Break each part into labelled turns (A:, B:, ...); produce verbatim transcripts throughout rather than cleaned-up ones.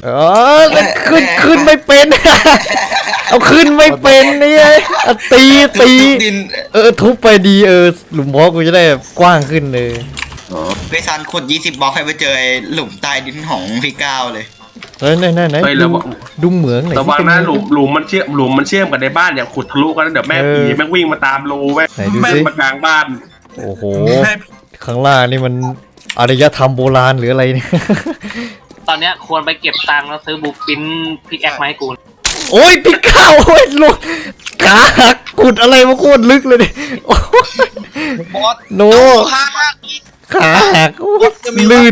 A: อ๋อขึ้นขึ้นไม่เป็นเอาขึ้นไม่เป็นนี่ตีตีเออทุบไปดีเออหลุมบล็อกกูจะได้กว้างขึ้นเลย
B: ไปซันขุดยี่สิบบล็อกให้ไปเจอหลุมใต้ดินของพี่ก้าวเลย
A: เฮ้ยไหนไหนไหนดูเหมืองไหน
C: ระวังนะหลุมหลุมมันเชื่อมหลุมมันเชื่อมกันในบ้านอย่างขุดทะลุกันเดี๋ยวแม่ผีแม่วิ่งมาตามรูแม่แม่มากลางบ้าน
A: โอ้โหข้างล่างนี่มันอารยธรรมโบราณหรืออะไรเนี่ย
D: ตอนเนี้ยควรไปเก็บตังค์แล้วซื้อบุกปิ้นพิกแอคมาให้กู
A: โอ้ยพี่ก้าวโอ้ยลูกขาหักกุดอะไรมาโคตรลึกเลยดิโนขาหักลื่น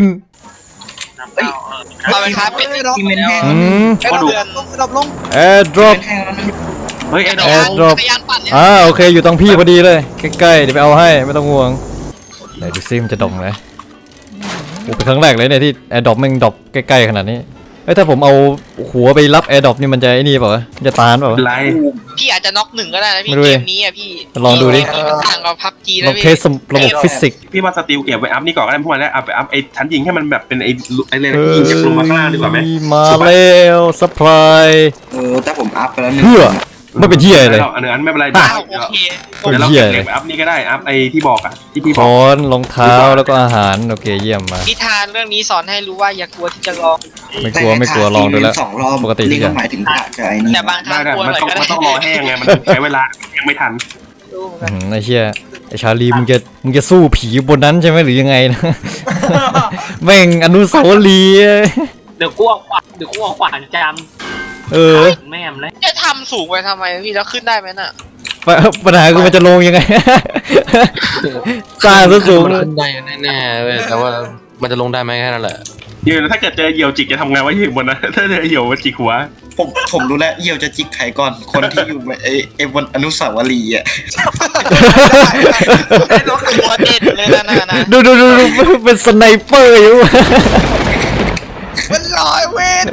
E: เราไปครับเป็นดรอปเป็นแห้ง
A: กระดูก
E: ดรอปลง
A: แอร์ดรอป
C: เฮ้ยแอร์
A: ดรอปอ่าโอเคอยู่ตรงพี่พอดีเลยใกล้ๆเดี๋ยวไปเอาให้ไม่ต้องห่วงไหนดูซิมันจะดองไหมโอ้เป็นครั้งแรกเลยเนี่ยที่แอร์ดรอปมันดรอปใกล้ๆขนาดนี้เอ้ยถ้าผมเอาหัวไปรับแอร์ดรอปนี่มันจะไอ้นี่เปล่าจะตานเปล่า
E: พี่อาจจะน็อกหนึ่งก็ได้นะพี่เกมนี้อ่ะพี่
A: ลองดูดิ
E: ต่างกับพับจีนะ
A: พี่ลองเทสระบบฟิสิกส์
C: พี่ว่าสติลเก็บไว้อัพนี่ก่อนก็ได้พวกมันแล้วเอาไปอัพไอ้ชั้นยิงให้มันแบบเป็นไอ้ไอ้เลยยิงจากลงมาข้างล่างดีกว่าไหม
A: มาแล้วซัพพลาย
B: เออแต่ผมอัพไปแล้ว
A: เพื่อไม่เป็นที่อะไรเลย
C: อันนั้นไม่เป็นไรเดี๋ยวเราเก็บอัพนี่ก็ได้อัพไอ้ที่บอกอ่ะที่พี่บอก
A: ค้อนรองเท้าแล้วก็อาหารโอเคเยี่ยมมา
E: นิทานเรื่องนี้สอนให้รู้ว่าอย่ากลัวที่จะลอง
A: ไม่กลัวไม่กลัวลองดูแล้วปกติ
B: นี่ก็หมายถึงขาดใจนี่
E: แต่บางครั้งกลัวหน่อยก็ได้
C: มันต้องรอแห้งไงมันใช้เวลายังไม่ทัน
A: ไอ้เชี่ยไอ้ชาลีมึงจะมึงจะสู้ผีบนนั้นใช่ไหมหรือยังไงนะแม่งอนุสาวรีย์
D: เดี๋ยวกูเอาขวานเดี๋ยวกูเอาขวานจำ
A: เออ
D: แม่มเลย
E: จะทำสูงไปทำไมพี่แล้วขึ้นได้ไหมน่ะ
A: ปัญหาคือมันจะลงยังไงสร้างสูง
F: ขึ้นได้แน่ๆเว้ยแต่ว่ามันจะลงได้ไหมแค่นั้นแหละ
C: ยืนถ้าเกิดเจอเหยี่ยวจิกจะทำไงวะยืนบนนั้นถ้าเจอเหยี่ยวจิกหัว
B: ผมผมรู้แล้วเหยี่ยวจะจิกใครก่อนคนที่อยู่ไอ้ไอ้บนอนุสาวรีย์อ่ะ
E: ตัวเด็ดเลยนะนะ
A: ดูดูดูเป็นสไนเปอร์อยู่
E: มันลอยเวน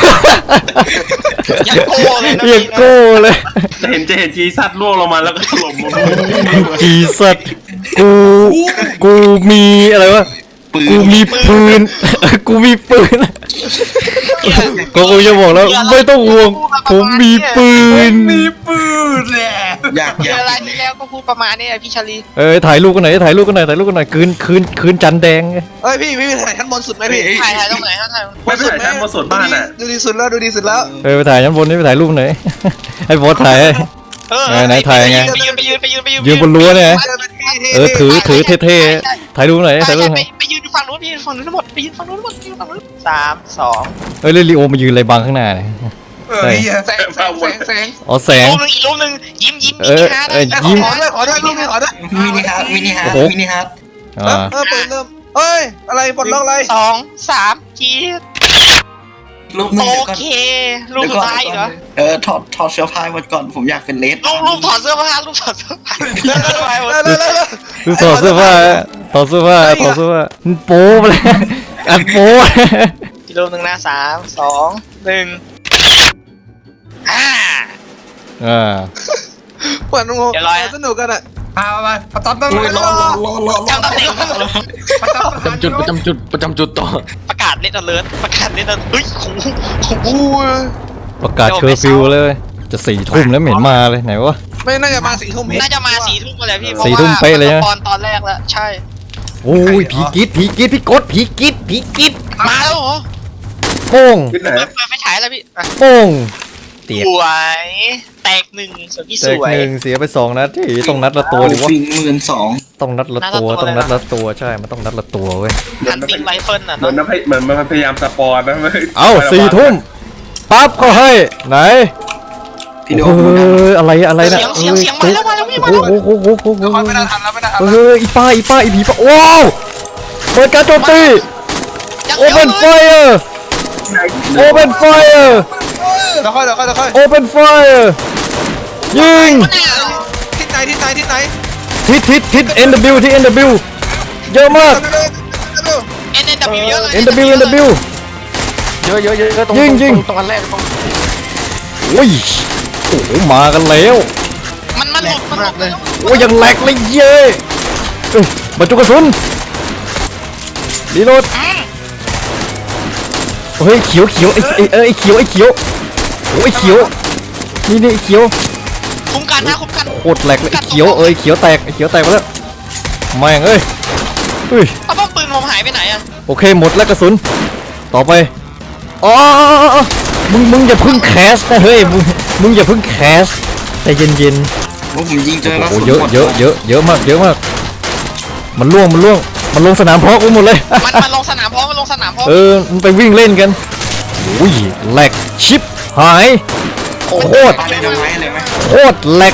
E: อย่าโก้เลยนะ
A: อย่าโก้เลย
C: จะเห็นจะเห็นจีซัดล่วงลงมาแล้วก็ถล่มลง
A: จีซัดกูกูมีอะไรวะกูมีปืนกูมีปืนก็กูจะบอกแล้วไม่ต้องห่วงผมมีปืน
E: มีปืนแหละ
B: อยาก
E: อยากอะไรที่แล้วก็พูดประมาณนี้แหละพี่ชาลี
A: เออถ่ายรูปกันหน่อยถ่ายรูปกันหน่อยถ่ายรูปกันหน่อยคืนคืนคืนจันแดง
E: เฮ้ยพี่พี่ถ่ายชั้นบนสุดไหมพี่ถ่ายถ่ายตรงไหนถ่าย
C: ไม่ถ่ายชั้นบนสุดบ้านอ่ะ
E: ดูดีสุดแล้วดูดีสุดแล้ว
A: เออไปถ่ายชั้นบนนี่ไปถ่ายรูปหน่อยให้บอสถ่ายไหนถ่ายไง
E: ไปยืนไปยืนไปยืนไปยืน
A: ยืนบนรั้วเนี่ยเออถือถือเท่ๆถ่ายรูปหน่อยถ่ายรูปหน่อย
E: ไปยืนฝั่งนู้นไปยืนฝั่งนู้นทั้งหมดไปยืนฝั่งนู้นทั้งหมดไปยืนฝั่งนู้นสามสอง
A: เฮ้ยเรลิโอมายืนอะไรบังข้างหน้าเนี่ย
E: แสงแสงแสง
A: อ๋อแสง
E: รูปนึงอีกรูปนึงยิ้มยิ้ม
A: เออเออยิ้ม
E: ขอด้วยขอด้วยรูปนี้ขอด้วย
B: มินิฮาร์ดมินิฮาร์ดมินิฮาร์ด
E: เออเปิดเริ่มเอ้ยอะไรปลดล็อกอะไรสองสามจี
B: รูปนึง
E: โอเครูปสุดท้ายเหรอ
B: เออถอดถอดเสื้อผ้าหมดก่อนผมอยากเป็นเลส
E: รูปรูปถอดเสื้อผ้ารูปถอดเสื้อผ้า
A: รูปถอดเสื้อผ้าถอดเสื้อผ้าถอดเสื้อผ้าโป๊ไปเลยอัดโป๊
E: อีกรูปหนึ่งนะสามสองหนึ่งอ่า
A: อ่า
E: เปิดงงสนุกกันอ่ะเอาไปประจำตำแหน่งรอรอรอรอประจำตำแหน่ง
F: ประจำจุดประจำจุดประจำจุดต่อ
E: ประกาศเล่นอเลิร์ตประกาศเล่นอเฮ้ยโอ้โห
A: ประกาศเคอร์ฟิวเลยจะสี่ทุ่มแล้วเหม็นมาเลยไหนวะ
E: ไม่น่าจะมาสี่ทุ่มน่าจะมาสี่ทุ่มเลยพี่
A: สี่ทุ่มเป๊ะเลยนะ
E: ตอนตอนแรกแล้วใช่
A: โอ้ยผีกิ๊ดผีกิ๊ดพี่กดผีกิ๊ดผีกิ๊ด
E: มาแล้วเหรอ
A: โป้ง
E: เปิดไฟฉายแล้วพี่
A: โป้ง
E: เตียสวยแตกหนึ่งส่วนพี่สวย
A: แตกหนึ่งเสียไปสองนัดที่ต้องนัดละตัวหรือว่า
B: ฟิงหมื่นสอง
A: ต้องนัดละตัวต้องนัดละตัวใช่มันต้องนัดละตัวเว้ย
E: ฮันติงไรเฟิลน่ะ
C: เหมือนมันเหมือนมันพยายามสปอร์ตนะ
A: เอ้าสี่ทุ่มปั๊บเขาให้ไหนเฮ้ยอะไรอะไรนะ
E: เสียงเสียงมาแล้วมาแล้วพี่มาแล้ว
A: โอ้โหโอ้โหโอ้โห
E: ไม่ได้ทันแล้วไม่ได้ทัน
A: เฮ้ยอีป้าอีป้าอีผีป้าว้าวเปิดการโจมตี Open Fire Open Fire
E: เดี๋ยวค่อยเดี๋ยวค่อยเดี๋ยวค่อย
A: Open Fire ยิง
E: ทิศไหนทิศไหนทิศไหน
A: ทิศทิศทิศ เอ็น ดับเบิลยู ที่ เอ็น ดับเบิลยู เยอะมาก
E: เอ็น ดับเบิลยู เยอะเลย
A: เอ็น ดับเบิลยู เอ็น ดับเบิลยู
F: เยอะเยอะเยอะตรงตรงอันแรกตรง
A: โอ้ยโอ้โหมากันแล้ว
E: มันมันหลุดมันหลุดเลย
A: โอ้ยยังแหลกเลยเย้บรรจุกระสุนรีโหลดโเฮ้ยเขียวเขียวไอ้ไอ้เอ้ยไอ้เขียวไอ้เขียวโอ้ยเขียวนี่นี่ไอ้เขียว
E: คุ้มกันนะคุ้มกัน
A: โคตรแหลกเลยไอ้เขียวเอ้ยเขียวแตกไอ้เขียวแตกไปแล้วแม่งเอ้ยเฮ้ย
E: เอาป้อมปืนผมหายไปไหนอะ
A: โอเคหมดแล้วกระสุนต่อไปอ๋อมึงมึงอย่าเพึ่งแคสนะเฮ้ยมึงมึงอย่าเพึ่งแคสใจเย็น
B: ผมยิงเจอ
A: ๆ
B: แล้ว
A: โอ้เยอะเยอะเยอะเยอะมากเยอะมากมันล่วงมันล่วงมันลงสนามเพาะกูหมดเลย
E: มันมันลงสนามพร้อมมันลงสนามพร้อม
A: เออมันไปวิ่งเล่นกันอุ้ยแหลกชิปหายโคตร
B: ปาไดนาไมต์เลยไหม
A: โคตรแหลก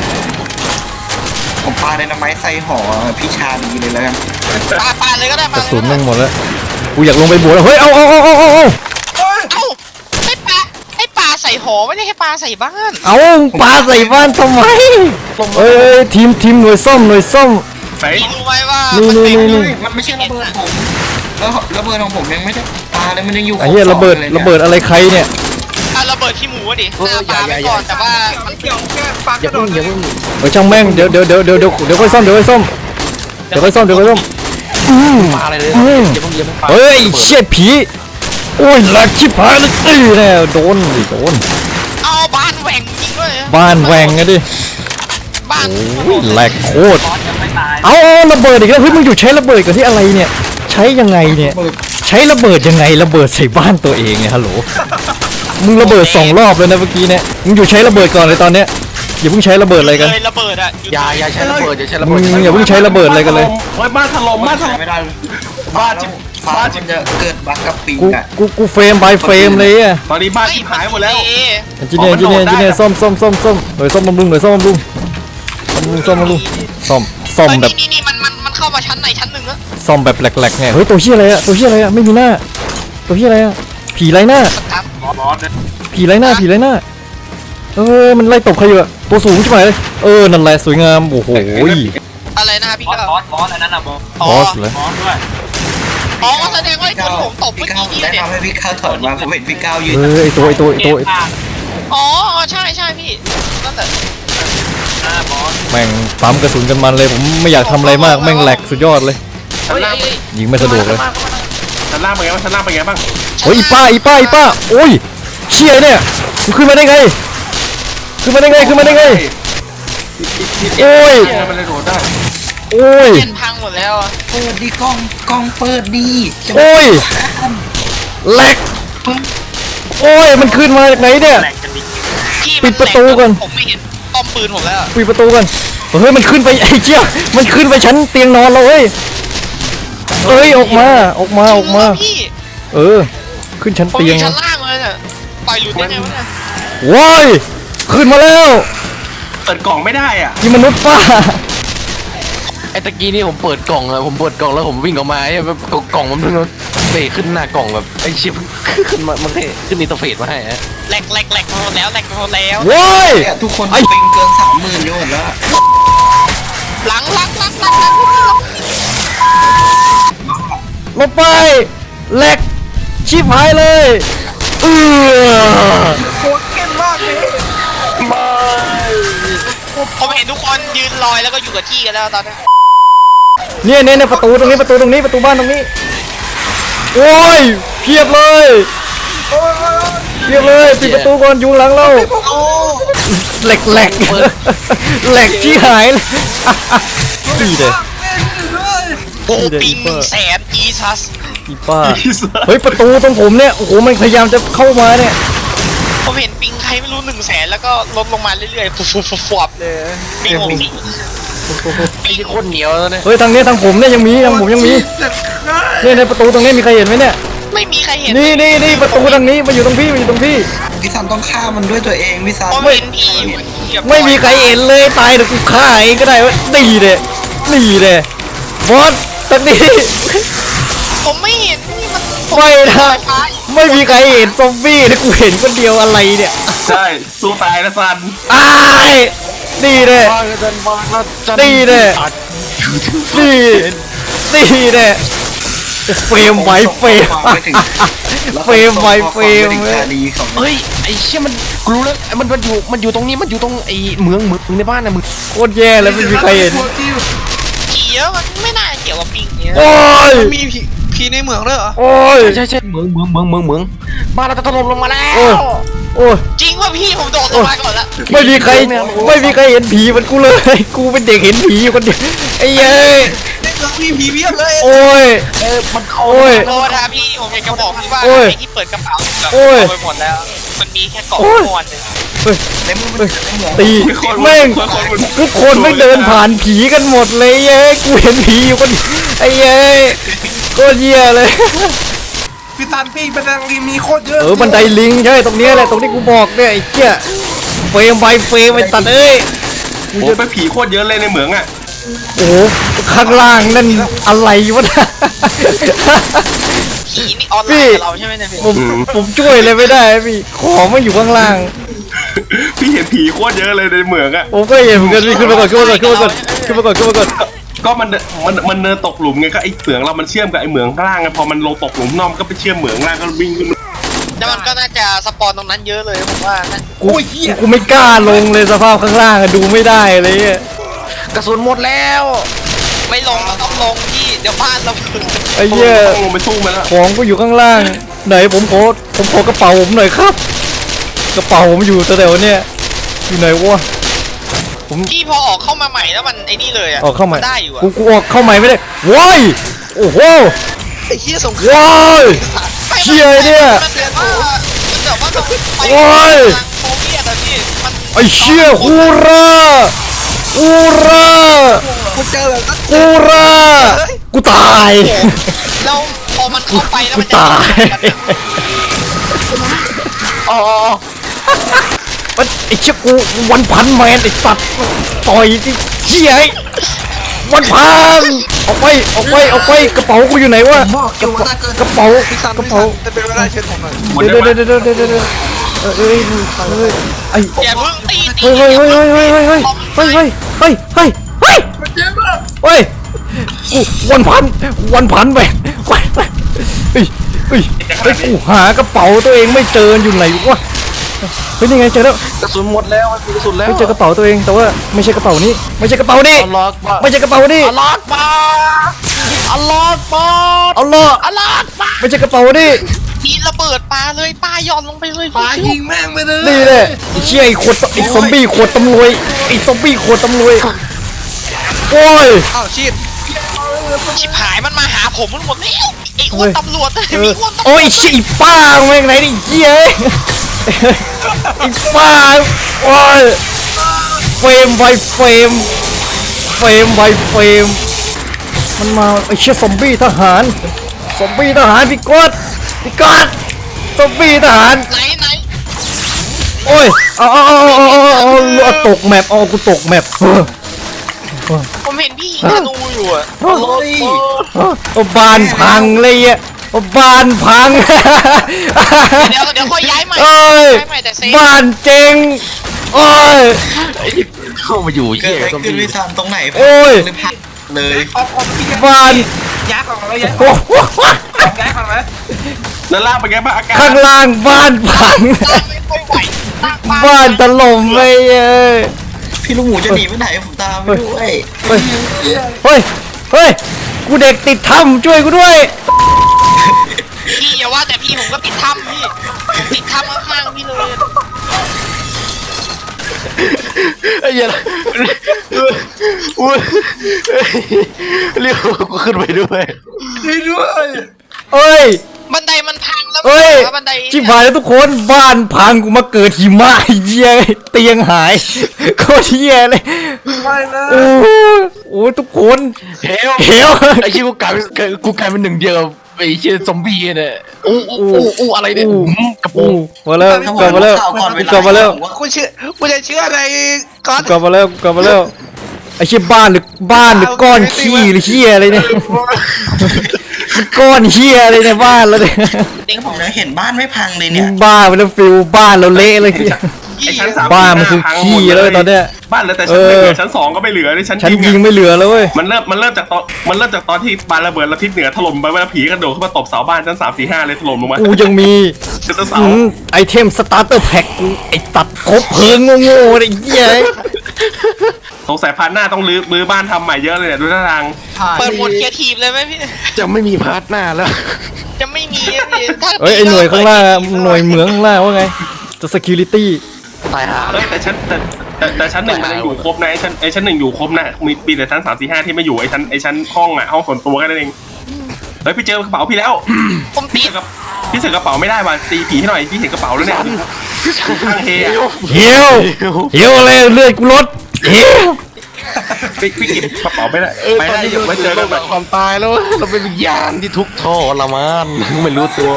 B: ผมปาไดนาไมต์ใส่หอพี่ชาดีเลยแล้วกัน
E: ปาปาเลยก็ได้
A: ก
E: ปา
A: ระสุนแม่งหมดแล้วกูอยากลงไปบวกแล้วเฮ้ยเอาเอาเอาเอาเอา
E: เอ้าไอ้ปลาไอ้ปลาใส่หอไม่ได้ให้ปลาใส่บ้าน
A: เอาปาใส่บ้านทำไมเอ้ยทีมทีมหน่วยซ่อมหน่วยซ่อม
C: ไป
E: พี่รู้ไหมว่า
A: นี่
E: มัน
A: นี่
E: เป็น
A: นี่
B: มันไม่ใช่ระเบิดผมแล้วระเบิดของผมยังไม่ได้ปาเลยมันยังอยู่
A: ไอ้เหี้ยระเบิดระเบิดอะไรใครเนี่ย
E: อ่ะระเบิดขี้หมูอะดิหน้าปลาไปก่อนแต่ว่ามัน
F: อย่าเพิ่งอย่าเพิ่ง
A: เฮ้ยช่างแม่งเดี๋ยวเดี๋ยวเดี๋ยวเดี๋ยวเดี๋ยวเดี๋ยวค่อยซ่อมเดี๋ยวค่อยซ่อมเดี๋ยวค่อยซ่อมเดี๋ยวค่อยซ่อมอืม
F: ปาอะไรเลย
A: อืม
F: อย่าเพิ่งอย่าเพิ่งปา
A: เฮ้ยเชี่ยผีโอ้ยหลักชิบหายเลยตีแน่โดนดิโดน
E: เอาบ้านแหว่งจริงด้วย
A: บ้านแหวงไงดิ
E: บ้าน
A: โอ้ยแหลกโคตร
D: บอสยังไม่ตาย
A: เอาเอาระเบิดอีกแล้วเฮ้ยมึงอยู่ใช้ระเบิดกันที่อะไรเนี่ยใช้ยังไงเนี่ยใช้ระเบิดยังไงระเบิดใส่บ้านตัวเองเนี่ยฮัลโหลมึงระเบิดสองรอบเลยนะเมื่อกี้เนี่ยมึงอยู่ใช้ระเบิดก่อนเลยตอนเนี้ยอย่าเพิ่งใช้ระเบิดอะไรกัน
E: เลยระเบิดอะ
F: อย่าอย่าใช้ระเบิดอย่าใช้ระ
A: มึ
F: เบิด
A: งอย่าเพิ่งใช้ระเบิดอะไรกันเลย
C: เฮ้ยบ้านถล่มบ้านถล่ม
B: ไม่ได้
C: บ้าจิบ
B: ปาจิบจะเกิดบั๊กกับปิง
A: กู
B: อ่ะ
A: กูกูเฟรมบายเฟรมเลยอ่ะ
C: ตอนนี้บ้านชิบหายหมดแล้ว
A: จีเนียจีเนียจีเนียซ่อมซ่อมซ่อมซ่อมหน่วยซ่อมบำรุงหน่วยซ่อมบำรุงบำรุงซ่อมบำรุงซ่อมซ่อมแบบ
E: นี่นี่มันมันมันเข้ามาชั้นไหนชั้นหนึ่งอะ
A: ซ่อมแบบแหลกๆไงเฮ้ยตัวเหี้ยอะไรอะตัวเหี้ยอะไรอะไม่มีหน้าตัวเหี้ยอะไรอะผีไร้หน้า
E: ครับ
D: บอสบอสเนี่ย
A: ผีไร้หน้าผีไร้หน้าเออมันไล่ตบใครอยู่อะตัวสูงใช่ไหมเออนั่นแหละสวยงามโอ้โห
E: อะไรนะพี่
D: บอส
E: ก้าว
D: บอสบอสอันนั้นน่ะบอส
E: อ๋
A: บ
E: อ
A: อสเลย
D: บอสด้วย
E: อ๋อแสดงว่าไอ้คนผมตบ
B: พี่
E: เมื่อ
B: ก้าว
E: กี้นี่
B: แนะ
E: เนี่ย
B: นำให้พี่ก้าวถอยมาผมเห็นพี่ก้าวยืน
A: เออไอตัวไอตัวไอ
D: เก
A: ตัว
D: มพลาด
E: อ๋อใช่ใช่พี่นั่นแหละ
D: หน้าบอส
A: แม่งปั๊มกระสุนกันมันเลยผมไม่อยากทำอะไรมากแม่งแหลกสุดยอดเลย
C: ชั้นล่าง
A: ยิงไม่สะดวกเลย
C: ชั้นล่างเป็นไงบ้างชั้นล่างเป็นไงบ้าง
A: โอ้ยอีป้าอีป้าอีป้าโอ้ยเชี่ยเนี่ยมึงขึ้นมาได้ไงขึ้นมาได้ไงขึ้นมาได้ไง โอ้ย
C: เชี่มันเลยโดดได้
A: โอ้ย
E: เล่นพังหมดแล้วอะ
B: เปิดดีกล้องกล้องเปิดดีจะ
A: โอ้ยแหลกโอ้ยมันขึ้นมาจากไหนเนี่ย
D: แหลกกันดิ
E: พี่
A: ปิดประตูก่อน
E: ผมไม่เห็นป้อมปืนผมแล้วอะ
A: ปิดประตูกันเฮ้ยมันขึ้นไปไอ้เชี่ยมันขึ้นไปชั้นเตียงนอนเราเฮ้ยเอ้ยออกมาออกมาออกมา
E: จริงเหรพี่
A: เออ ขึ้นชั้น
E: ผมอ
A: เตียง
E: ยู่ชั้นล่างเลยเนี่ยปล่อยหลุดได้ไงวะเนี่ย
A: ว้ายขึ้นมาแล้ว
C: เปิดกล่องไม่ได้อ่ะ
A: นี่มนุษย์ป้า
F: ไอ้ตะกี้นี่ผมเปิดกล่องอะผมเปิดกล่องแล้วผมวิ่งออกมาไอ้แบบกล่องมันเพิ่งเตะขึ้นหน้ากล่องแบบไอ้ชิปขึ้นมามันแค่ขึ้นอินเตอร์เฟซมาให้อะ
E: แหลกแหลกแหลกหมดแล้วแหลกหมดแล้ว
A: ว้าย
B: เนี่ยทุกคน
A: ไอ้
B: ปิงเกินสามหมื่นอยู่หมดแล้ว
E: หลังหลังหลังหลังหลัง
A: ลงไปแหลกชิบหายเลยเออ
E: ผมเห็นทุกคนยืนลอยแล้วก็อยู่กับที่กันแล้วตอนนี้
A: เนี่ยเนี่ยเนี่ยประตูตรงนี้ประตูตรงนี้ประตูบ้านตรงนี้โอ้ยเพียบเลยเพียบเลยปิดประตูก่อนยุงหลังเราแหลกแหลกแหลกชี้หายเลยดีเด้
E: โอ้ปิงหนึ่งแสนอีซัส
A: อีป้าเฮ้ยประตูตรงผมเนี่ยโอ้โหมันพยายามจะเข้ามาเนี่ย
E: ผมเห็นปิงใครไม่รู้หนึ่งแสนแล้วก็ลดลงมาเรื่อยๆฟุบฟุบฟุบฟุบเลยปิงผมนี่
F: ไอ้ที่โคตรเหนียวแล้วเนี่ย
A: เฮ้ยทางนี้ทางผมเนี่ยยังมีทางผมยังมีเนี่ยในประตูตรงนี้มีใครเห็นไหมเนี่ย
E: ไม่มีใครเห็น
A: นี่นี่นี่ประตูทางนี้มาอยู่ตรงพี่มาอยู่ตรงพี่
B: พี่ซันต้องฆ่ามันด้วยตัวเองพี่ซัน
E: ผมเห็นพี่อยู่เหยียบ
A: ไม่มีใครเห็นเลยตายเดี๋ยวกูฆ่าเองก็ได้วะดีเด้ดีเด้บอสตอนนี้
E: ผมไม่เห็นนี่มันผม
A: ไม่นะ
E: ไฟฟ้า
A: ไม่มีใครเห็นซอมบี้นะกูเห็นคนเดียวอะไรเนี่ย
C: ใช่สู้ตายนะซัน
A: อ้ายดีเด้
F: วางจันวางแล้วจัน
A: ดีเด้ดีดีเด้เฟรมไว้เฟรม
B: ไปถึง
A: เฟรมไว้เฟรม
B: ถึง
A: เว้ย
B: คดีของ
F: เฮ้ยไอ้เชี่ยมันกูรู้แล้วไอ้มันมันอยู่มันอยู่ตรงนี้มันอยู่ตรงไอ้เมืองเมืองในบ้านนะมึง
A: โคตรแย่เลยไม่มีใครเห็น
E: ผีเยอะมันไม่น่าเกี่ยวกับปิงเนี่ย
A: โอ้ย
E: มีผีผีในเหมืองด้วยเหรอ
A: โอ้ย
F: ใช่ใช่เหมืองเหมืองเหมืองเหมืองเหมืองบ้านเราจะถล่มลงมาแล้ว
A: โอ้ยโอ้ย
E: จริงว่าพี่ผมโดดลงมาก่อนละ
A: ไม่มีใครไม่มีใครเห็นผีเหมันกูเลย กูเป็นเด็กเห็นผีอยู่คนเดียวไอ้เย้ย
E: ในเมืองมีผีเพียบเลย
A: โอ้ย
F: เออมันเข้า
A: โอ้ย
E: โทษนะพี่ผมอยากจะบอกพี่ว่า
A: โอ้ย
E: ไอ้ที่เปิดกระเป๋าแบบ
A: โอ้ย
E: เอาไปหมดแล้ว มันมีแค่กล่อง
A: โอ้ย
E: ม้วนหนึง
A: เฮ้ย
B: ในมือมัน
A: เฮ้ย
B: ในเหมือง
A: ตีแม่งทุกคนไม่เดินผ่านผีกันหมดเลยเย้ยกูเห็นผีอยู่คนเดียวไอ้เย้ยโคตรเหี้ยเลย
C: พี่ตันพี่บันไดลิงมีโคตรเยอะ
A: เออบันไดลิงใช่ตรงเนี้ยแหละตรงที่กูบอกเนี่ยไอ้เจี๊ยเฟรมไปเฟรมไปตัดเอ้ย
C: โอ้เป็นผีโคตรเยอะเลยในเหมืองอ่ะ
A: โอ้โหข้างล่างนั่นอะไรวะเนี่ย
E: ผีนี่ออนไล
A: พี่
E: น์กับเราใช่ไหมเนี่ยพี่
A: ผมผมช่วยเลยไม่ได้พี่ของไม่อยู่ข้างล่าง
C: พี่เห็นผีโคตรเยอะเลยในเหมืองอ่ะ
A: ผมก็เห็นเหมือนกันพี่ขึ้นมาก่อนขึ้นมาก่อนขึ้นมาก่อนขึ้นมาก่อนขึ้นมาก่อน
C: ก็มันมันมันเนินตกหลุมไงก็ไอ้เหมืองเรามันเชื่อมกับไอ้เหมืองข้างล่างไงพอมันลงตกหลุมนอกมันก็ไปเชื่อมเหมืองล่างก็วิ่งขึ้นมา
E: แต่มันก็น่าจะสปอนตรงนั้นเยอะเลยผมว่านะ
A: กูกูไม่กล้าลงเลยสภาพข้างล่างอะดูไม่ได้เลยอะ
F: กระสุนหมดแล้ว
E: ไม่ลงเราต้องลงพี่เดี๋ยวบ้านเราถึง
A: ไอ้เหี้ย
C: ต้องลงไปสู้มันแล้ว
A: ของก็อยู่ข้างล่างไหนผมขอผมขอกระเป๋าผมหน่อยครับ กระเป๋าผมอยู่แถวๆเนี่ยอยู่ไหนวะผม
E: พี่พอออกเข้ามาใหม่แล้วมันไอ้นี่เลยอะ
A: ออกเข้าใหม่
E: นได้อยู่อะ
A: กูกูออกเข้าใหม่ไม่ได้ว้ายโอ้โห
E: ไอ้เหี้ยสงคราม
A: ว้ายเชี่ยเนี่ย
E: มันแบบว่ามันแบบว่าต้องไป
A: โอ้ย
E: ทางโซเวียตอะพี่มัน
A: ไอ้เชี่ยฮูราฮูรา
E: กูเจอแบบนั้น
A: ฮูรากูตาย
E: แล้วพอมันเข้าไปแล้ว
A: กู
E: มันจะ
A: ตาย
F: อ๋อ
A: มันไอ้เชี่ยกูวันพันแมนไอ้สัตว์ต่อยที่เชี่ยไอ้วันพันออกไปออกไปออกไปกระเป๋ากูอยู่ไหนวะกระเป๋ากระเป๋า
E: พี่ซัน
A: กระ
E: พี่
A: เป๋า
E: ซันจะเป็นเวลาเชิญผมหน่อย
C: หมด
A: เดี๋ยว
C: ได้
A: เดี๋ยว
C: ไหม
A: เดี๋ยวเดี๋ยวเดี๋ยวเดี๋ยวเออเอ้ยเอ้ยไอ้
E: อย่าเพิ่งตีตี
A: เฮ้ยเฮ้ยเฮ้ยเฮ้ยเฮ้ยเฮ้ยเฮ้ยเฮ้ยเฮ้ยเฮ้ยเฮ้ยเฮ้ยเฮ้ยกูวันพันวันพันไปไปไปเฮ้ยเฮ้ยเฮ้ยกูหากระเป๋าตัวเองไม่เจออยู่ไหนวะเฮ้ยนี่ไงเจอแล้ว
F: กระสุนหมดแล้วมันมีกระสุนแล้ว
A: ไม่เจอกระเป๋าตัวเองแต่ว่าไม่ใช่กระเป๋านี้ไม่ใช่กระเป๋านี้
F: อัลลอฮ์บ้า
A: ไม่ใช่กระเป๋านี้
F: อัลลอฮ์บ้าอัลลอฮ์บ้า
A: เอาล่ะ
F: อัลลอฮ์บ้า
A: ไม่ใช่กระเป๋านี้
E: ทีระเบิดปลาเลยปลาย่อนลงไปเลยปลายิง
A: นี่แหละไอ้เชี่ยไอ้ขวดไอ้ซอมบี้ขวดตำรวจไอ้ซอมบี้ขวดตำรวจโอ้ย
E: อ้าวชิดชิบหายมันมาหาผมมันหมดแล้วไอ้อ้วนตำรวจ
A: เอ
E: มี
A: อ
E: อ้วนตำรวจ
A: โอ้ยไอ้ป้าแม่งไหนดิเหี้ยไอ้ป้าโอ้ยเฟรมไวเฟรมเฟรมไวเฟรมมันมาไอ้เชี่ยซอมบี้ทหารซอมบี้ทหารพี่กอดพี่กอดซอมบี้ทหาร
E: ไหนไหน
A: โอ้ยเอาเอาเอาเอาเอาเอาเอาตกแมปเอากูตกแมปเออ
E: ผมเห็นพี่ธนูอยู่อะ
A: เอาบ้านพังเลยอ่ะเอาบ้านพัง
E: เดี๋ยวเดี๋ยวค่อยย้ายใหม่
A: เอ้ย
E: ย้ายใหม่แต่เซฟ
A: บ้านเจ๊งโอ้ย
F: เข้ามาอยู่
B: เกิ
F: เหี้
B: ด
F: ย
B: อะไร
F: ซอม
B: ขึ้น
F: บี้
B: พี่ซันตรงไหน
A: โอ้ย
B: เลยพังเลย
A: บ้าน
C: ย้ายของเราย้าย
A: โอ้โห
C: ย้ายของเราแล้วล่างเป็นไงบ้างอาการ
A: ข้างล่างบ้านพัง
E: ตั้งไม่ค่อยไหวตั้งบ้าน
A: บ้านถล่มไปเอ้ย
B: พี่ลูกหมูจะหนีไปไหนผมตามไปด้วย
A: เฮ้ยเฮ้ยเฮ้ยกูเด็กติดถ้ำช่วยกูด้วย
E: พี่อย่าว่าแต่พี่ผมก็ติดถ้ำพี่ผมติดถ้ำข้างๆพี่เลย
F: ไอ้เหี้ยอุ้ยเรียกกูขึ้นไปด้วย
A: เอ้ย
E: บันไดมันพังแล้ว
A: เอ้ย
E: บันได
A: ชิบหายแล้วทุกคนบ้านพังกูมาเกิดหิมะไอ้เหี้ยเตียงหายโคตรเหี้ยเลยไม่นะโอ้โหทุกคน
F: เฮล
A: เฮล
F: ไอ้เหี้ยกูกลายเป็นกูกลายเป็นหนึ่งเดียวกับไอ้เหี้ยซอมบี้เนี่ยอู้อู้อู้อู้อะไรเนี่ยอืมกระโปร
A: โอ้
F: ง
A: มาแล้วกลับมาแล้ว
B: ข่าวก่อนเวลาก
A: ลับมาแล้ว
E: คุณเชื่อคุณจะเชื่ออะไรก่อน
A: กลับมาแล้วกลับมาแล้วไอ้เชี่ยบ้านหรือบ้านหรือก้อนขี้หรือเชี่ยอะไรเนี่ยก้อนเชี่ยอะไรในบ้านแล้วเนี่ย
B: เด็กผมยังเห็นบ้านไม่พังเลยเนี่ย
A: บ้าไปแล้วฟิลบ้านเราเละเลย
C: ไอ้ชั้นสาม
A: บ้านมันคือขี้เลยตอนเนี้ย
C: บ้านเหลือแต่ชั้นหนึ่งอะชั้นสองก็ไม่เหลือเลยชั้น
A: ฉัน
C: ยิง
A: ยิง
C: อะ
A: ไม่เหลือแล้วเว้ย
C: มันเริ่มมันเริ่มจากตอนมันเริ่มจากตอนที่บ้านระเบิดแล้วทิศเหนือถล่มไปว่าผีกระโดดขึ้นมาตบเสาบ้านชั้นสามสี่ห้าเลยถล่มลงมา
A: กูยังมี
C: ชั้นเสา
A: อืมไอเทมสตาร์เตอร์แพ็กกูไอตัดครบเพลิงโง่ๆไอ้เหี้ย
C: สงสัยพาร์ทหน้าต้องรื้อรื้อบ้านทำใหม่เยอะเลยเนี่ยดูท่าทาง
E: เปิดโหมดเคลียร์ทีมเลยไหมพี่
F: จะไม่มีพาร์ทหน้าแล้ว
E: จะไม่มีอะพี่ถ้า
A: เอ้ยไอหน่วยข้างล่างอะหน่วยเหมืองข้างล่างว่าไงจะ security
F: ตายหา
C: เอ้ยแต่ชั้นแต่แต่แต่ชั้นหนึ่งมันยังอยู่ครบนะไอ้ชั้นไอ้ชั้นหนึ่งอยู่ครบนะมีปีแต่ชั้นสามสี่ห้าที่ไม่อยู่ไอ้ชั้นไอ้ชั้นห้องอ่ะห้องส่วนตัวแค่นั้นเองเฮ้ยพี่เจอกระเป๋าพี่แล้ว
E: ผมติ
C: พี่
E: ด
C: เสือกระพี่เสือกระเป๋าไม่ได้ว่ะตีผีให้หน่อยพี่เห็นกระเป๋าแล้วเนี่ยข้างเฮอะ
A: เหี่ยวเหี่ยวอะไรเลือดกูลดเหี่ยว
C: พี่พี่เก็บกระเป๋าไม่ได้
F: เออ
C: ไป
F: ตอน
C: ได้
F: นี้
C: เดี๋ยวไว้เจอกันใหม่
F: ความตายแล้วเราเป็นวิญญาณที่ทุกข์ทรมานไม่รู้ตัว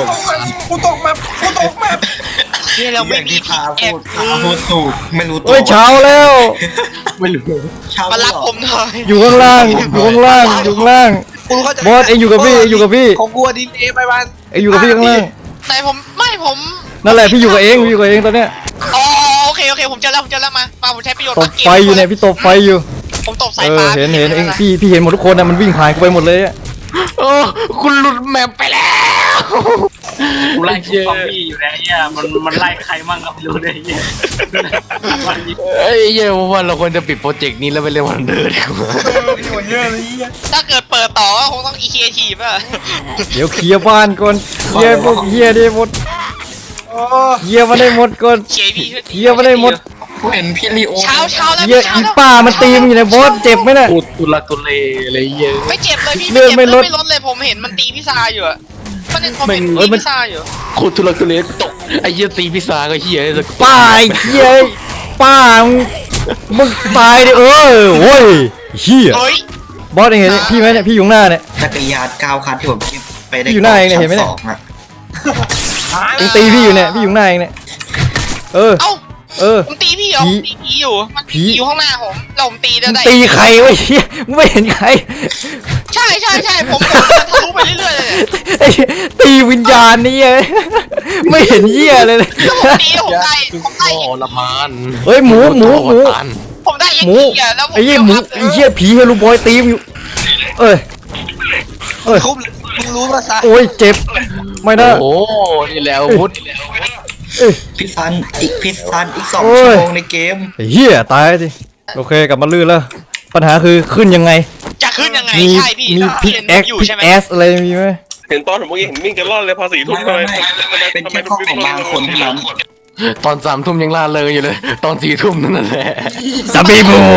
E: นี่เราไม่มี
B: พา
E: แอ
B: พู
E: บ
B: ดพาพูดถูกไม่รู้ตัว
A: เอ้ยเช้าแล้ว
F: ไม่รู้
B: เช้า
E: มารับ
B: เหรอ
E: ผมหน่อย
A: อยู่ข้างล่างอยู่ข้างล่างอยู่ข้างล่าง
E: กูเข้าใจ
A: บอสเอ็งอยู่กับพี่เอ็งอยู่กับพี่
E: ของกูดีเอไปวัน
A: เอ็งอยู่กับพี่ข้างล่าง
E: ไหนผมไม่ผม
A: นั่นแหละพี่อยู่กับเองพี่อยู่กับเองตอนเนี้ย
E: อ๋อโอเคโอเคผมเจอแล้วผมเจอแล้วมามาผมใช้ประโยชน์
A: ตบไฟอยู่เนี่ยพี่ตบไฟอยู่
E: ผมตบสา
A: เอย อ
E: ฟ้า
A: เห็นเห็นเองพี่พี่เห็นหมดทุกคนนะมันวิ่งผ่านกูไปหมดเลยอะ
F: โอ้คุณหลุดแมปไปแล้ว
D: กูไล่คิวซอมบี้อยู่แล้วเนี่ยมันมันไล่ใครมั่งก็ไม่รู้เลยเนี่ยวันนี้
F: เอ้ยเย้ยว่าเราควรจะปิดโปรเจกต์นี้แล้วไปเล่นวันเดอร์ดีกว่า
E: ถ้าเกิดเปิดต่อก็คงต้องอีเคทีฟอ่ะ
A: เดี๋ยวเคลียร์บ้านก่อนเคลียร์พวกเฮียได้หมดเคลียร์มาได้หมดก่อน
E: เคพี
A: เคลียร์มาได้หมด
B: กูเห็นพี่ลีโอ
E: เช้าเช้าแล้ว
A: เฮีย
E: เช้า
A: อี
E: แล้ว
A: ป้ามันตีมันอยู่ในบอสเจ็บไหมน่ะ
F: พูดตุลักตุเลอะไรเยอะ
E: ไม่เจ็บเลยพี่
A: เลือดไม่
E: ไม่
A: ล
E: เจ็
A: ด
E: บไม่ลดเลยผมเห็นมันตีพี่ซาอยู่อะมันเห็นผมเห็น
A: เอ้
E: ตี
A: ยมัน
E: พี่ซาอยู่
F: โคตรทุลักทุเลตกไอ้เหี้ยตีพิซซ่าก็เหี้ยเลย
A: ป้าไอ้เฮียป้ามึงมึงตายดิเออโว้ยเฮีย
E: เฮ้ย
A: บอสเองเห็นพี่ไหมเนี่ยพี่อยู่ข้างหน้าเนี่ย
B: จักรยานก้าวคันที่ผมไปได้
A: อยู่หน้าเองเนี่ยเห็นไหมเนี่ย
B: ชั้สองอะ
A: เองตีพี่อยู่เนี่ยพี่อยู่ข้างหน้าเองเนี่ยเออ
E: เอ้า
A: เออ
E: ผมตีพี่เหรอ
A: ผี
E: ผมตีผีอยู่มัน
A: ผี
E: ผีอยู่ข้างหน้าผมแล้วผมตีได้
A: มึง
E: ได้
A: ตีใครวะเฮียมึงไม่เห็นใคร
E: ใช่ใช่ใช่ผมผมเดินทะลุไปเรื่อยๆเลยเนี่ย
A: ไอ้ตีวิญญาณนี่ไงไม่เห็นเหี้ยเลยเลย
E: แล้วผมตีแล้วผมได้ผมได้
F: ทรมาน
A: เฮ้ยหมูหมูหมู
E: ผมได้เอ็ก
A: หมู
E: ซ์อะแล้วผม
A: ไอ้เหี้ยหมูไอ้เหี้ยผีเฮลูบอยตีมอยู่เอ้ยเอ้ย
E: คุ้มมึงรู้ภาษา
A: โอ้ยเจ็บไม่ได้
F: โอ้นี่แล้วพุทธ
A: เอ้ย
B: พี่ซันอีกพี่ซันอีกสอง
A: โอ้ย
B: ชั่วโมงในเกม
A: ไอ้เหี้ยตายสิโอเคกลับมาลื่นแล้ว ปัญหาคือขึ้นยังไง
E: จะขึ้นยังไง
A: มี
E: ใช่พี่
A: มีพิก
E: เห็น
A: แอค
E: อยู่
A: พิก
E: ใช่ไหม
A: แอสอะไรมีไหม
C: เห็นตอนผมเมื่อกี้เห็นวิ่งกันรอดเลยพอสี่ทุ่ม
B: ไม่
C: เลย
B: ไม่ไม่เป็นแค่ข้อของบางคนเท่านั้น
F: ตอนสามทุ่มยังล่าเริงอยู่เลย ตอนสี่ทุ่มนั่นแหละ
A: ซาบิบู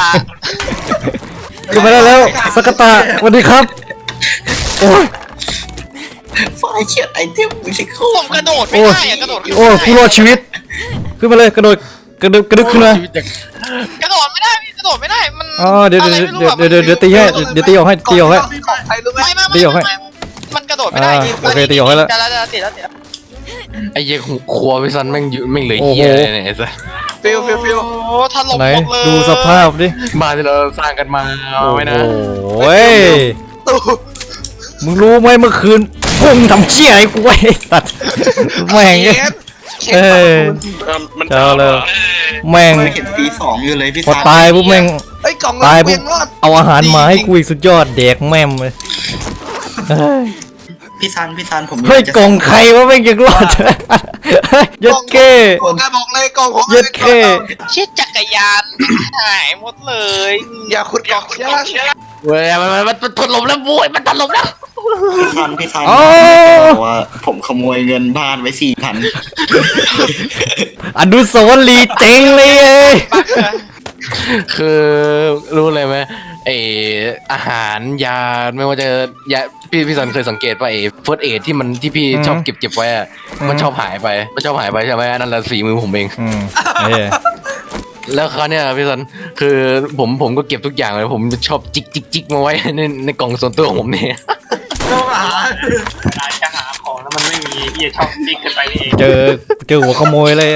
A: ขึ้นมาได้แล้วสกตาสวัสดีครับโอ้ย
B: ไฟล์เชียดไอเทมไม่ใช่คู่
E: ผมกระโดดไม่
A: โอ้ย
E: ได้อะกระโดดขึ้น
A: โอ้ย
E: ไม่
A: ผู้ร
E: ได้
A: อดชีวิต ขึ้นมาเลยกระโดดกระโดดกระดึกขึ้นมา
E: กระโดดไม่ได้พี่กระโดดไม่ได้มัน
A: อ๋อเดี๋ยว
E: อะไร
A: เดี๋ยว
E: ไม่รู้อะ
A: เดี๋ยวเดี๋ยวเดี๋ยวตีให้เดี๋ยวตีออกให้ตีออกให้
E: ใครรู้ไหมไม่ไม่
A: ตีออกให้
E: ไม่มันกระโดดไม่ได้
A: อ่าโอเคตีออกให้แล้ว
E: จะแล้วจะติดแล้วติดแล้ว
F: ไอ้เหี้ยครัวพิซันแม่งอยู่แม่งเหลือ
A: โอ้โห
F: เหี้ยเลยเนี่ยไอ้สัส
E: ฟิวฟิวฟิวโอ้ถล่ม
A: ไหน
E: หมดเลย
A: ดูสภาพดิ
F: บ้านที่เราสร้างกันมาเอาไว้นะ
A: โอ้ย
E: ตู้
A: มึงรู้ไหมเมื่อคืนพวกมึงทำเชี่ยไอ้กูไอ้ตัดแม่ง
E: เชฟเชฟ
A: เอ้ย
C: มัน
A: เจ้าเลยแม่ง
B: เห็นปีสองอยู่เลยพี่
A: พอ
B: ซัน
A: ตายปุ๊บแม่ง
E: เอ้ยกล่อง
A: ตาย
E: เวี
A: ปุ๊
E: ย
A: บ
E: งรอด
A: เอาอาหารมาให้กูอีกสุดยอดแดกแม่มเลยเฮ้ย
B: พี่ซันพี่ซันผม
A: เฮ้ย
B: จะ
A: กล่องใครวะแม่งยังรอดยัดเก้
E: ผมกล้าบอกเลยกล่องผม
A: เย็ดเข้
E: เชี่ยจักรยานหายหมดเลย อย่าขุดกล่องเชี่ย
F: เว้ยมันมันมันถล่มแล้วบุ้ยมันถล่มแล้ว
B: พี่ซันพี่ซัน
A: อ๋อ
B: บอกว่าผมขโมยเงินบ้านไว้สี่พัน
A: อนุสาวรีย์เจ๋งเลยเอ้ย
E: บักเหรอ
F: คือรู้เลยไหมไออาหารยาไม่ว่าจะยาพี่พี่สันเคยสังเกตว่าไอเฟิร์สเอทที่มันที่พี่ชอบเก็บเก็บไว้อะมันชอบหายไปมันชอบหายไปใช่ไหมอันนั้นแหละสีมือผมเอง
A: อืมเอ้ย
F: แล้วคราวเนี้ยพี่สันคือผมผมก็เก็บทุกอย่างเลยผมชอบจิกจิกจิกมาไว้ในในกล่องส่วนตัวของผมเนี่ย
D: การจะหาของแล้วมันไม่มีเหี้ยชอบติ๊กกันไปนี่เอง
A: เจอเจอหัวขโมยเลย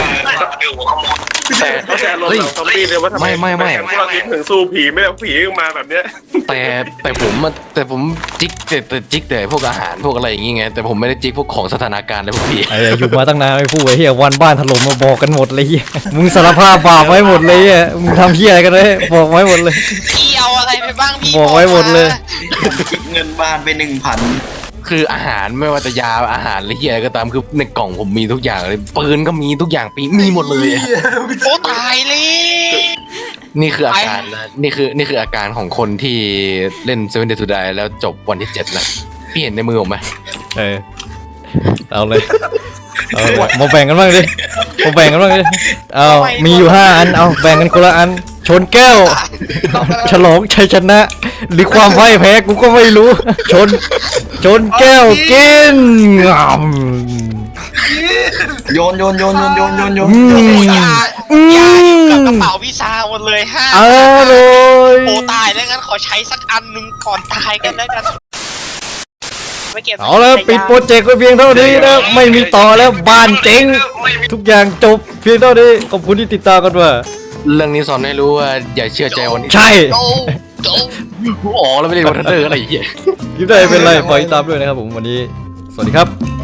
F: แต่
C: เขาจะลดเราซอมบี้เลยว่าทำไม
F: ไม่ไม่ไม่
C: พวกเราคิดถึงสู้ผีไม่ได้ผีมาแบบเนี้ย
F: แต่แต่ผมอะแต่ผมจิกแต่แต่จิกแต่พวกอาหารพวกอะไรอย่างงี้ไงแต่ผมไม่ได้จิกพวกของสถานการณ์เลยพวกพี่
A: ไอ้อยู่มาตั้งนานไม่พูดไอ้เหี้ยวันบ้านถล่มมาบอกกันหมดเลยเหี้ยมึงสารภาพบาปไว้หมดเลยอ่ะมึงทำเหี้ยอะไรกันเลยบอกไว้หมดเลย
E: พี่เอาอะไรไปบ้างพี่
A: บอกไว้หมดเลย
B: ผมคิดเงินบ้านไปหนึ่งพัน
F: คืออาหารไม่ว่าจะยาอาหารหรือเหี้ยอะไรก็ตามคือในกล่องผมมีทุกอย่างเลยปืนก็มีทุกอย่างปีมีหมดเลยอะ
E: โอ้ตายเลย
F: นี่คืออาการนะนี่คือนี่คืออาการของคนที่เล่น Seven Days to Die แล้วจบวันที่เจ็ดนะพี่เห็นในมือผมไหม
A: เออเอาเลยเอาเลยมาแบ่งกันบ้างดิมาแบ่งกันบ้างดิเอามีอยู่ห้าอันเอาแบ่งกันคนละอันชนแก้วฉลองชัยชนะ หรือความพ่ายแพ้กูก็ไม่รู้ ชนชนแก้วกินงาม
B: โยนโยนโยนโยนโยนโยนโยน
A: อืม
E: อย่า
A: อื
E: อย่าอยู่กับกระ
A: ม
E: เป๋าพี่ซาหมดเลยห้า
A: อร่อย
E: โอ้ตายแล้วงั้นขอใช้สักอันหนึ่งก่อนตายกันแล้วกันไม่เก็บ
A: เอาแล้วปิดโปรเจกต์ไว้เพียงเท่านี้นะไม่มีต่อแล้วบ้านเจ๊งทุกอย่างจบเพียงเท่านี้ขอบคุณที่ติดตามกันว่า
F: เรื่องนี้สอนให้รู้ว่าอย่าเชื่อใจวันที่
A: ใช่
E: โอ้โอ้
F: อ๋อแล้วไม่ได้วันทันเดอร์อะไรอย่างเงี้ย
A: คลิปได้เป็นไรฝากติดตามด้วยนะครับผมวันนี้สวัสดีครับ